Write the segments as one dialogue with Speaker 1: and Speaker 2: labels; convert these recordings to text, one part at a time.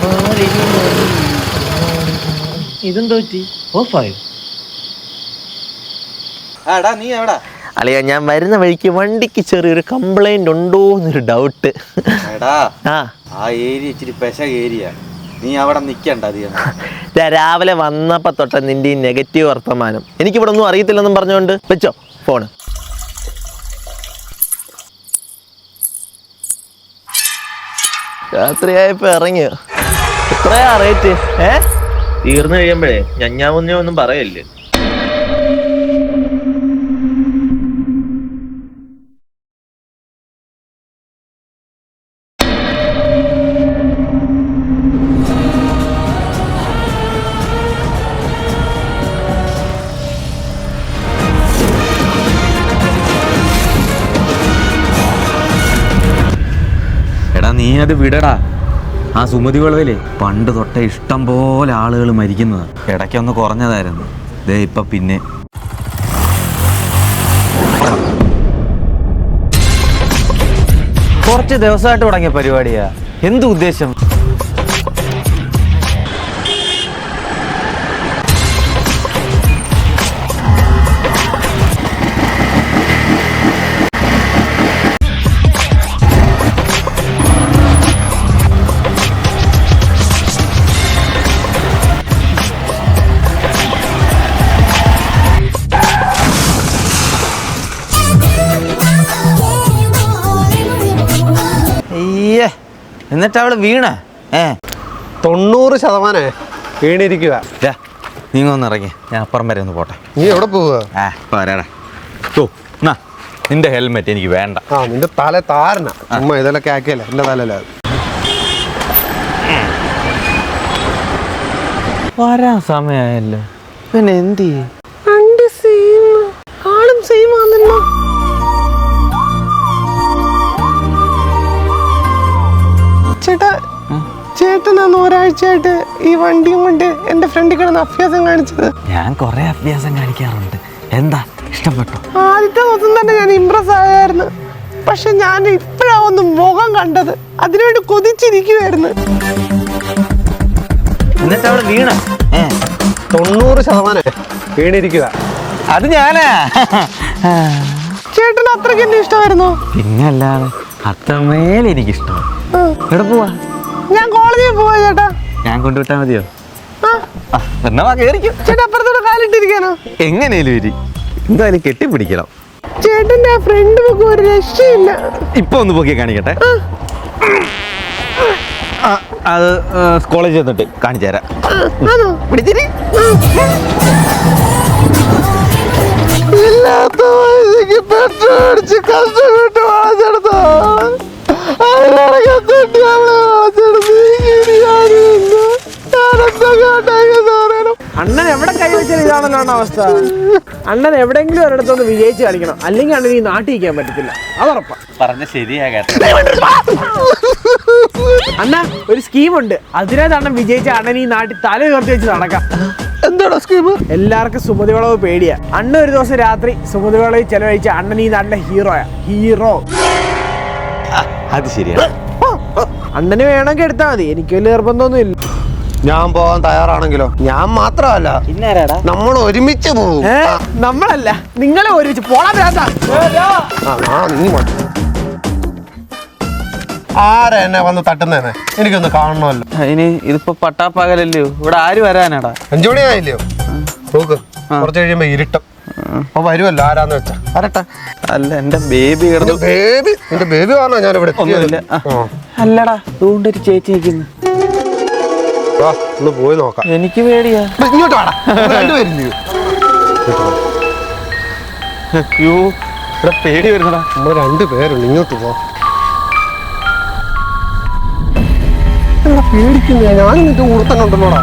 Speaker 1: ഇതെന്തോ പറ്റി? ഓഫായോ?
Speaker 2: നീ എവിടാ?
Speaker 3: അല്ലയാ, ഞാൻ വരുന്ന വഴിക്ക് വണ്ടിക്ക് ചെറിയൊരു കംപ്ലൈന്റ് ഉണ്ടോ എന്നൊരു ഡൗട്ട്.
Speaker 2: ആ ഏരിയ ഇച്ചിരി പെശ ഏരിയ, നീ അവിടെ നിക്കണ്ട അധികം.
Speaker 3: രാവിലെ വന്നപ്പോ തൊട്ട നിന്റെ ഈ നെഗറ്റീവ് വർത്തമാനം എനിക്കിവിടെ ഒന്നും അറിയത്തില്ലെന്നും പറഞ്ഞുകൊണ്ട് വെച്ചോ ഫോണ്. രാത്രിയായപ്പോ ഇറങ്ങിയോ? എത്രയാ റേറ്റ്?
Speaker 1: തീർന്നു കഴിയുമ്പോഴേ ഞഞ്ഞാമുന്നേ ഒന്നും പറയല്ലേ.
Speaker 2: നീ അത് വിടടാ. ആ സുമതി വളവിലെ പണ്ട് തൊട്ടേ ഇഷ്ടം പോലെ ആളുകൾ മരിക്കുന്നത്. ഇടയ്ക്കൊന്ന് കുറഞ്ഞതായിരുന്നു, ദേ ഇപ്പൊ പിന്നെ. കുറച്ച് ദിവസമായിട്ട് തുടങ്ങിയ പരിപാടിയാ. എന്ത് ഉദ്ദേശം?
Speaker 3: എന്നിട്ട് അവള് വീണ
Speaker 4: 90% വീണിരിക്കുക.
Speaker 2: നീങ്ങ ഒന്ന് ഇറങ്ങി, ഞാൻ അപ്പുറം വരെ ഒന്ന് പോട്ടെ.
Speaker 4: നീ എവിടെ പോവുക?
Speaker 2: പോരാടാ. നിന്റെ ഹെൽമെറ്റ് എനിക്ക് വേണ്ട.
Speaker 4: നിന്റെ തല താരണ അമ്മ ഇതെല്ലാം ആക്കിയല്ലേ എന്റെ തലല്ല.
Speaker 2: വരാൻ സമയമായല്ലോ,
Speaker 3: പിന്നെ എന്ത് ചെയ്യും?
Speaker 4: ആളും സെയിം ആണല്ലോ. ചേട്ടാ, ചേട്ടനാണ് ഒരാഴ്ചയായിട്ട് ഈ വണ്ടിയും കൊണ്ട് എന്റെ ഫ്രണ്ടിൽ കിടന്ന് അഭ്യാസം കാണിച്ചത്.
Speaker 2: ഞാൻ കൊറേ അഭ്യാസം കാണിക്കാറുണ്ട്. എന്താ, ഇഷ്ടപ്പെട്ടോ?
Speaker 4: ആദ്യത്തെ ദിവസം തന്നെ ഞാൻ ഇംപ്രസ് ആയായിരുന്നു. പക്ഷെ ഞാൻ ഇപ്പഴാ ഒന്ന് മുഖം കണ്ടത്, അതിനുവേണ്ടി കൊതിച്ചിരിക്കുവായിരുന്നു.
Speaker 3: എന്നിട്ട് അവള് വീണ
Speaker 4: 90% വീണിരിക്കുക.
Speaker 3: അത് ഞാനാ.
Speaker 4: ചേട്ടന് അത്രയ്ക്ക് എന്നെ ഇഷ്ടമായിരുന്നോ?
Speaker 2: പിന്നല്ലാതെ അത്രമേൽ എനിക്കിഷ്ടം. എവിടെ പോവാ?
Speaker 4: ഞാൻ കോളേജിൽ പോവാ ചേട്ടാ.
Speaker 2: ഞാൻ കൊണ്ടുവിട്ടാ മതിയോ?
Speaker 3: എന്നാ കേറിക്കും.
Speaker 4: ചേട്ടാ അപ്പുറത്തോടെ കാലിട്ടിരിക്കാനോ?
Speaker 2: എങ്ങനെയും വരി, എന്തായാലും കെട്ടിപ്പിടിക്കണം.
Speaker 4: ചേട്ടന്റെ ആ ഫ്രണ്ട് ഒക്കെ ഒരു രക്ഷയില്ല.
Speaker 2: ഇപ്പൊ ഒന്ന് പൊക്കി കാണിക്കട്ടെ. അത് കോളേജിൽ ചെന്നിട്ട് കാണിച്ചു തരാം. പിടിച്ചിരി.
Speaker 4: ഇല്ലാത്ത വയസ്സിക്ക് പെട്രോൾ അടിച്ച് കഷ്ടപ്പെട്ട് വളച്ചെടുത്തോ.
Speaker 5: അണ്ണൻ എവിടെ കൈവച്ചാൽ ഇതാണല്ലോ അവസ്ഥ. അണ്ണൻ എവിടെയെങ്കിലും ഒരിടത്തൊന്ന് വിജയിച്ച് കളിക്കണം, അല്ലെങ്കിൽ അണ്ണൻ ഈ നാട്ടിൽ ഇരിക്കാൻ പറ്റത്തില്ല. അതുറപ്പാ.
Speaker 2: പറഞ്ഞ ശരിയാ കേട്ടോ.
Speaker 5: അണ്ണ ഒരു സ്കീമുണ്ട്, അതിനകത്ത് അണ്ണൻ വിജയിച്ച അണ്ണൻ ഈ നാട്ടിൽ തല ഉയർത്തി വെച്ച് നടക്കാം.
Speaker 4: എന്താണോ സ്കീം?
Speaker 5: എല്ലാവർക്കും സുമതി വളവ് പേടിയാ. അണ്ണൻ ഒരു ദിവസം രാത്രി സുമതി വളവ് ചെലവഴിച്ച അണ്ണൻ ഈ നാട്ടിലെ ഹീറോയാ. ഹീറോ.
Speaker 2: അത് ശരിയാണ്.
Speaker 5: അണ്ണന് വേണമെങ്കിൽ എടുത്താൽ മതി, എനിക്ക് വലിയ നിർബന്ധമൊന്നും ഇല്ല.
Speaker 4: ഞാൻ പോവാൻ തയ്യാറാണെങ്കിലോ? ഞാൻ മാത്രമല്ല, നമ്മൾ ഒരുമിച്ച് പോകും.
Speaker 5: നമ്മളല്ല, നിങ്ങളെ ഒരുമിച്ച് പോളാ.
Speaker 4: ആരാ എന്നെ വന്ന് തട്ടുന്നേനെ? എനിക്കൊന്ന് കാണണമല്ലോ.
Speaker 2: ഇനി ഇതിപ്പോ പട്ടാപ്പകലല്ലയോ, ഇവിടെ ആര് വരാനാടാ?
Speaker 4: 5 മണിയായില്ലയോ? നോക്ക്, കുറച്ച് കഴിയുമ്പോ ഇരുട്ടും. അപ്പൊ വരുമല്ലോ, ആരാന്ന് വെച്ചാ വരട്ടെ.
Speaker 2: അല്ല, എന്റെ ബേബി കിടന്നു.
Speaker 4: ബേബി? എന്റെ ബേബി പറഞ്ഞോ ഞാൻ ഇവിടെ?
Speaker 2: അല്ലടാ, അതുകൊണ്ടൊരു ചേച്ചി നിൽക്കുന്നു.
Speaker 4: ഒന്ന് പോയി നോക്കാം.
Speaker 2: എനിക്ക് പേടിയാ.
Speaker 4: ഇങ്ങോട്ട് വേണം, രണ്ടുപേരില്ലയോ?
Speaker 2: ഇവിടെ പേടി വരുന്നടാ.
Speaker 4: നമ്മൾ 2 പേരുണ്ട്, ഇങ്ങോട്ട് പോ. പേടിക്കുന്നേ, ഞാനും നിന്റെ കൂടെ തന്നെ ഉണ്ടല്ലോടാ.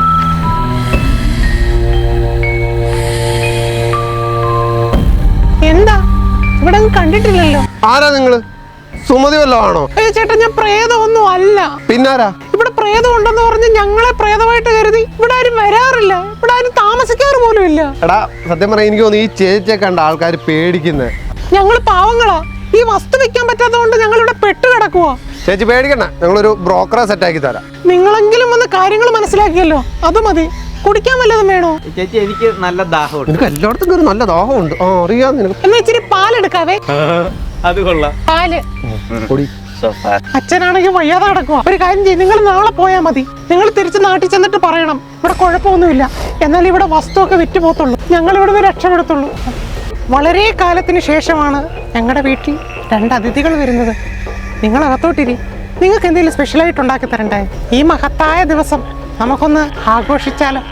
Speaker 5: എന്താ ഇവിടെ കണ്ടിട്ടില്ലല്ലോ?
Speaker 4: ആരാ നിങ്ങള്? സുമതി വല്ലോ ആണോ?
Speaker 5: അയ്യോ ചേട്ടാ, ഞാൻ പ്രേതമൊന്നും അല്ല.
Speaker 4: പിന്നാരാ?
Speaker 5: ഇവിടെ പ്രേതം ഉണ്ടെന്ന് പറഞ്ഞ് ഞങ്ങളെ പ്രേതമായിട്ട് കരുതി ഇവിടെ ആരും വരാറില്ല, ഇവിടെ ആരും താമസിക്കാറ് പോലും ഇല്ല.
Speaker 4: എടാ, സത്യം പറയാൻ എനിക്ക് തോന്നുന്നു ഈ ചേച്ചിയെ കണ്ട ആൾക്കാർ പേടിക്കുന്നേ.
Speaker 5: ഞങ്ങള് പാവങ്ങളാ,
Speaker 4: ഈ വസ്തു വെക്കാൻ പറ്റാത്തതുകൊണ്ട് ഞങ്ങൾ ഇവിടെ പെട്ട് കിടക്കുവാ.
Speaker 6: ചേച്ചി പേടിക്കണ്ട, ഞങ്ങളൊരു ബ്രോക്കറെ സെറ്റാക്കി തരാം.
Speaker 4: നിങ്ങളെങ്കിലും വന്ന് കാര്യങ്ങൾ മനസ്സിലാക്കിയല്ലോ, അത് മതി. കുടിക്കാൻ വല്ലതും വേണോ?
Speaker 2: ചേച്ചി എനിക്ക് നല്ല ദാഹമുണ്ട്.
Speaker 6: നിനക്ക് എല്ലായിടത്തും കയറി നല്ല ദാഹമുണ്ട്. ആ അറിയാം നിനക്ക്.
Speaker 4: എന്നാ ഇച്ചിരി പാലെടുക്കാവേ.
Speaker 2: അത് കൊള്ളാം.
Speaker 4: പാല്.
Speaker 6: പൊടി.
Speaker 4: അച്ഛനാണെങ്കിൽ വയ്യാതെ കിടക്കുക. ഒരു കാര്യം ചെയ്യും, നിങ്ങൾ നാളെ പോയാൽ മതി. നിങ്ങൾ തിരിച്ച് നാട്ടിൽ ചെന്നിട്ട് പറയണം ഇവിടെ കുഴപ്പമൊന്നുമില്ല, എന്നാൽ ഇവിടെ വസ്തുവൊക്കെ വിറ്റ് പോത്തുള്ളൂ, ഞങ്ങൾ ഇവിടുന്ന് രക്ഷപ്പെടുത്തുള്ളൂ. വളരെ കാലത്തിന് ശേഷമാണ് ഞങ്ങളുടെ വീട്ടിൽ 2 അതിഥികൾ വരുന്നത്. നിങ്ങൾ അകത്തോട്ടിരി. നിങ്ങൾക്ക് എന്തെങ്കിലും സ്പെഷ്യലായിട്ട് ഉണ്ടാക്കി തരണ്ടേ? ഈ മഹത്തായ ദിവസം നമുക്കൊന്ന് ആഘോഷിച്ചാലോ?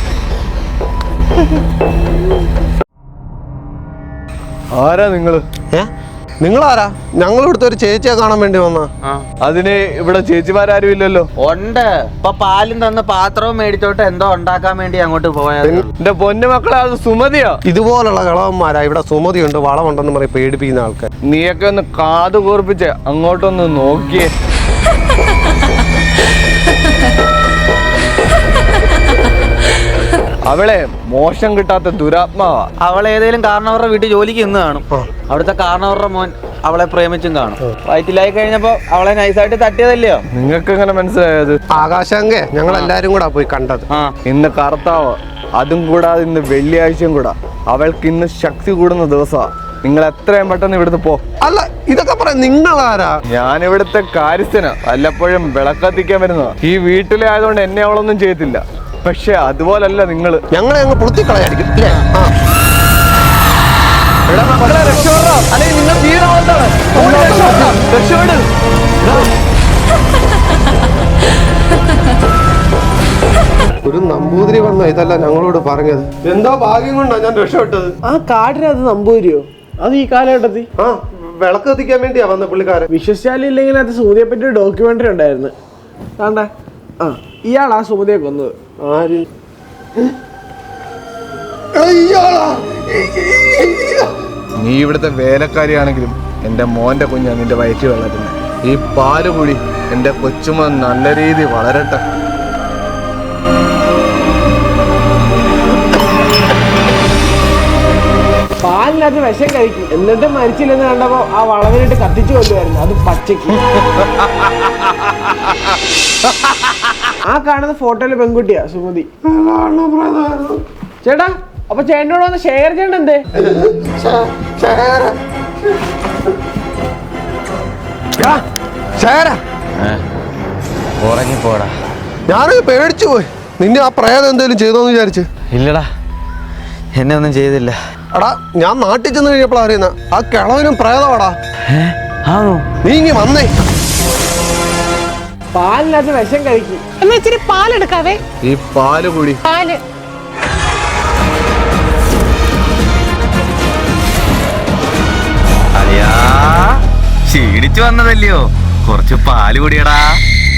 Speaker 7: ആരാ നിങ്ങള്?
Speaker 6: നിങ്ങളാരാ? ഞങ്ങൾ ഇവിടുത്തെ ഒരു ചേച്ചിയെ കാണാൻ വേണ്ടി വന്ന.
Speaker 7: അതിന് ഇവിടെ ചേച്ചിമാരും ഇല്ലല്ലോ.
Speaker 2: ഉണ്ട്. ഇപ്പൊ പാലും തന്ന പാത്രവും മേടിച്ചോട്ട് എന്തോ ഉണ്ടാക്കാൻ വേണ്ടി അങ്ങോട്ട് പോയത്.
Speaker 7: എന്റെ പൊന്നു മക്കളെ, അത് സുമതിയാ.
Speaker 6: ഇതുപോലുള്ള കളവന്മാരാ ഇവിടെ. സുമതിയുണ്ട്, വളമുണ്ടെന്ന് പറയും പേടിപ്പിക്കുന്ന ആൾക്കാർ.
Speaker 7: നീയൊക്കെ ഒന്ന് കാത് കൂർപ്പിച്ച് അങ്ങോട്ടൊന്ന് നോക്കിയേ. അവളെ മോശം കിട്ടാത്ത ദുരാത്മാവാ.
Speaker 2: അവൾ ഏതെങ്കിലും കാരണവരുടെ വീട്ടിൽ ജോലിക്ക് ഇന്ന് കാണും. അവിടുത്തെ കാരണവരുടെ മോൻ അവളെ പ്രേമിച്ചും കാണും. വയറ്റിലായി കഴിഞ്ഞപ്പോ അവളെ നൈസായിട്ട് തട്ടിയതല്ലയോ?
Speaker 7: നിങ്ങൾക്ക് എങ്ങനെ മനസ്സിലായത്?
Speaker 6: ആകാശാങ്കേ ഞങ്ങൾ എല്ലാരും കൂടാ പോയി കണ്ടത്.
Speaker 7: ഇന്ന് കർത്താവ്, അതും കൂടാതെ ഇന്ന് വെള്ളിയാഴ്ചയും കൂടാ. അവൾക്ക് ഇന്ന് ശക്തി കൂടുന്ന ദിവസമാ. നിങ്ങൾ എത്രയും പെട്ടെന്ന് ഇവിടുന്ന് പോ.
Speaker 6: അല്ല, ഇതൊക്കെ പറയാം നിങ്ങളാരാ?
Speaker 7: ഞാൻ ഇവിടുത്തെ കാര്യസ്ഥന, വല്ലപ്പോഴും വിളക്കത്തിക്കാൻ വരുന്നതാ. ഈ വീട്ടിലെ ആയതുകൊണ്ട് എന്നെ അവളൊന്നും ചെയ്യത്തില്ല. പക്ഷെ അതുപോലല്ല നിങ്ങള്.
Speaker 6: ഞങ്ങളെ അങ്ങ് പൊളുത്തിക്കളയായിരിക്കും. ഒരു നമ്പൂതിരി വന്ന ഇതല്ല ഞങ്ങളോട് പറഞ്ഞത്. എന്തോ ഭാഗ്യം കൊണ്ടാ ഞാൻ രക്ഷപ്പെട്ടത്.
Speaker 5: ആ കാടിനകത്ത് നമ്പൂരിയോ? അത് ഈ കാലഘട്ടത്തിൽ
Speaker 6: വിളക്ക് കത്തിക്കാൻ വേണ്ടിയാ വന്ന പുള്ളിക്കാരൻ.
Speaker 5: വിശ്വസിച്ചാലില്ലെങ്കിൽ അത് സുമതിയെ പറ്റി ഒരു ഡോക്യുമെന്ററി ഉണ്ടായിരുന്നു. കണ്ടേ? ഇയാളാ സുമതിയെ കൊന്നത്.
Speaker 6: ആര്?
Speaker 7: നീ ഇവിടുത്തെ വേലക്കാരിയാണെങ്കിലും എന്റെ മോന്റെ കുഞ്ഞാ നിന്റെ വയറ്റിൽ വളരുന്നത്. ഈ പാല് കൂടി എന്റെ കൊച്ചുമോൻ നല്ല രീതി വളരട്ടെ.
Speaker 5: പാലിനകത്ത് വിഷം കഴിക്കും, എന്നിട്ട് മരിച്ചില്ലെന്ന് കണ്ടപ്പോ ആ വളവിനിട്ട് കത്തിച്ചു കൊല്ലുമായിരുന്നു, അത് പച്ചയ്ക്ക്. ആ കാണുന്ന ഫോട്ടോയില് പെൺകുട്ടിയാ സുമതി. ചേട്ടാ, അപ്പൊ ചേട്ടനോട് വന്ന് ഷെയർ ചെയ്യണ്ട എന്തേ?
Speaker 2: ഉറങ്ങിപ്പോടാ.
Speaker 6: ഞാനത് പേടിച്ചു പോയി. നിന്നെ ആ പ്രേതം എന്തേലും ചെയ്തോന്ന് വിചാരിച്ച്.
Speaker 2: ഇല്ലടാ, എന്നെ ഒന്നും ചെയ്തില്ല.
Speaker 6: എടാ, ഞാൻ നാട്ടിൽ ചെന്ന് കഴിഞ്ഞപ്പോഴാ അറിയുന്ന ആ കിളവനും പ്രേതമാടാ. നീ ഇങ്ങി വന്നേ.
Speaker 5: പാലിനകത്ത് വിഷം കഴിക്കും.
Speaker 4: എന്നാ ഇച്ചിരി പാലെടുക്കാവേ.
Speaker 7: ഈ പാല് കൂടി.
Speaker 4: പാല്.
Speaker 2: അയ്യാ, ക്ഷീണിച്ചു വന്നതല്ലയോ? കുറച്ച് പാല് കുടിയടാ.